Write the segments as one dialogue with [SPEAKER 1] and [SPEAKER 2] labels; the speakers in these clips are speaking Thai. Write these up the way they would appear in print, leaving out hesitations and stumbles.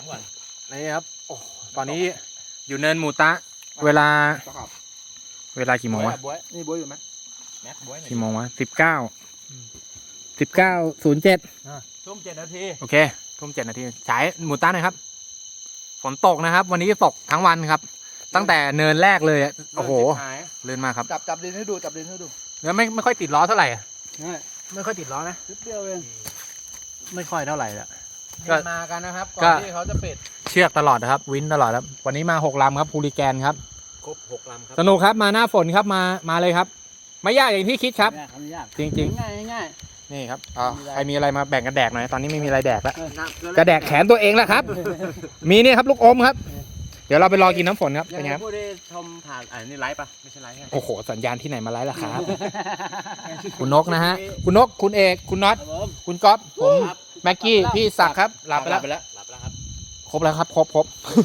[SPEAKER 1] ามก่อน
[SPEAKER 2] นี่ครับโอ้ตอนนี้อยู่เนินหมูตะเวลากี่โมงวะ
[SPEAKER 3] นี่บ๊วยอยู่ไหม
[SPEAKER 1] แม็กบ๊วย
[SPEAKER 2] กี่โมงวะ19:07
[SPEAKER 1] ทุ่ม7 นาที
[SPEAKER 2] โอเคทุ่ม7 นาทีฉายหมูตะหน่อยครับฝนตกนะครับวันนี้ตกทั้งวันครับตั้งแต่เนินแรกเลยโอ้โหเลื่อนมากครับ
[SPEAKER 3] จับดินให้ดู
[SPEAKER 2] แล้วไม่ค่อยติดล้อเท่าไหร่ไม่ค่อยติดล้อนะ
[SPEAKER 3] นิดเดียวเอง
[SPEAKER 2] ไม่ค่อยเท่าไหร่ละ
[SPEAKER 1] ก็มากันนะครับก่อนที่เขาจะปิด
[SPEAKER 2] เชือกตลอดนะครับวินตลอดครับวันนี้มา6 ลำครับฮูลิแกนครับ
[SPEAKER 1] ครบ6 ลำครับ
[SPEAKER 2] สนุกครับมาหน้าฝนครับมาเลยครับไม่ยากอย่างที่คิดครับจริง
[SPEAKER 3] ง่าย
[SPEAKER 2] นี่ครับใครมีอะไรมาแบ่งกันแดกหน่อยตอนนี้ไม่มีอะไรแดกแล้วจะแดกแขนตัวเองแล้วครับมีนี่ครับลูกอมครับเดี๋ยวเราไปรอกินน้ำฝนครับเป็นไงครับ
[SPEAKER 1] ผู้ได้ชมผ่านนี่ไลฟ์ปะไม่ใช่ไลฟ์
[SPEAKER 2] โอ้โหสัญญาณที่ไหนมาไลฟ์ล่ะครับคุณนกนะฮะคุณนกคุณเอกคุณน็อตคุณก๊อฟผมแม็กกี้พี่ศักดิ์ครับหลับไปแล้ว
[SPEAKER 1] ครับ
[SPEAKER 2] ครบแล้วครับครบ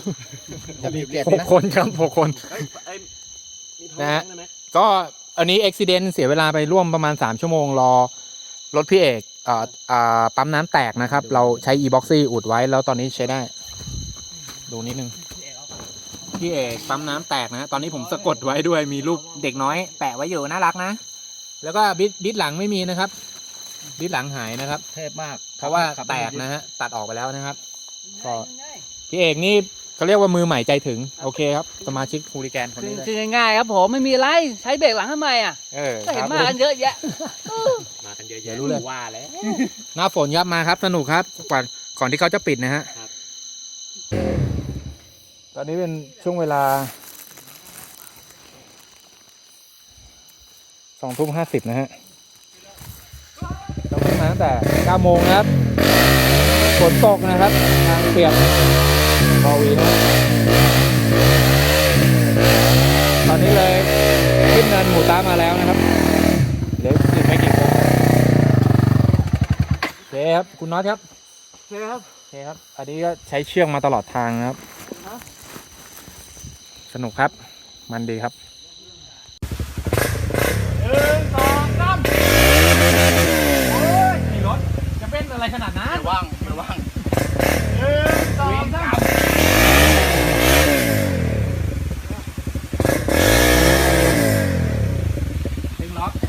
[SPEAKER 2] 6 คนครับ6 คนนะฮะก็อันนี้อุบิเหตุเสียเวลาไปร่วมประมาณ3 ชั่วโมงรอรถพี่เอกปั๊มน้ำแตกนะครับเราใช้ e-boxy อุดไว้แล้วตอนนี้ใช้ได้ดูนิดนึงพี่เอกปั๊มน้ำแตกนะตอนนี้ผมสะกดไว้ด้วยมีรูปเด็กน้อยแปะไว้อยู่น่ารักนะแล้วก็บิดหลังไม่มีนะครับบิดหลังหายนะครับ
[SPEAKER 3] เทพมาก
[SPEAKER 2] เพราะว่าแตกนะฮะตัดออกไปแล้วนะครับก็พี่เอกนี่เขาเรียกว่ามือใหม่ใจถึงโอเคครับสมาชิกฮูลิแกนคนนี้เลย
[SPEAKER 3] ง่ายครับผมไม่มีอะไรใช้เบรกหลังทำไมก็เห็นมากันเยอะแยะ
[SPEAKER 1] มากันเยอะแยะรู้เลยว่าแล้ว
[SPEAKER 2] หน้าฝนครับมาครับสนุกครับก่อนที่เขาจะปิดนะฮะตอนนี้เป็นช่วงเวลา20:50นะฮะต้องมาตั้งแต่9 โมงนะครับฝนตกนะครับทางเปียกบอวีนะตอนนี้เลยขึ้นเนินหมูตามาแล้วนะครับเหลืออีกไม่กี่คนโอเคครับคุณน็อตครับ
[SPEAKER 3] โอเคครับ
[SPEAKER 2] อันนี้ก็ใช้เชือกมาตลอดทางนะครับสนุกครับมันดีครับ1 2 3โอ้ยขี่รถจะเป็นอะไรขนาดนั้น
[SPEAKER 1] ไม่ว่าง
[SPEAKER 2] 1 2 3ดึงล็อก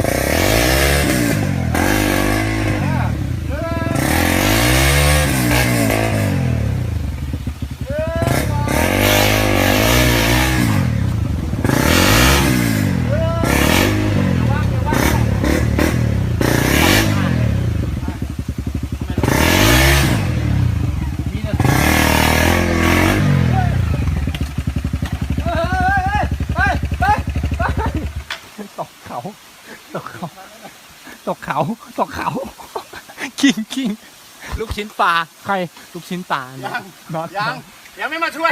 [SPEAKER 2] ตกเขาคิงลูกชิ้นปลาใครลูกชิ้นปลา
[SPEAKER 1] ยังไม่มาช่วย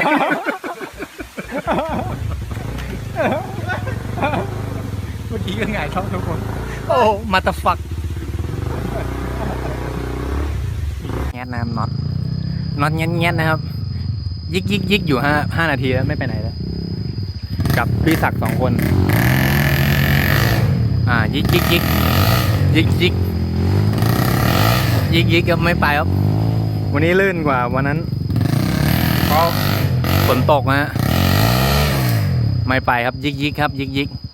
[SPEAKER 2] เมื่อกี้ก็ไงท้องทุกคนโอ้มาตาฟักแงะน้ำน็อตเงี้ยนะครับยิกอยู่5 นาทีแล้วไม่ไปไหนแล้วกับพี่ศักดิ์2 คนยิกก็ไม่ไปครับวันนี้ลื่นกว่าวันนั้นเพราะฝนตกนะไม่ไปครับยิกครับยิก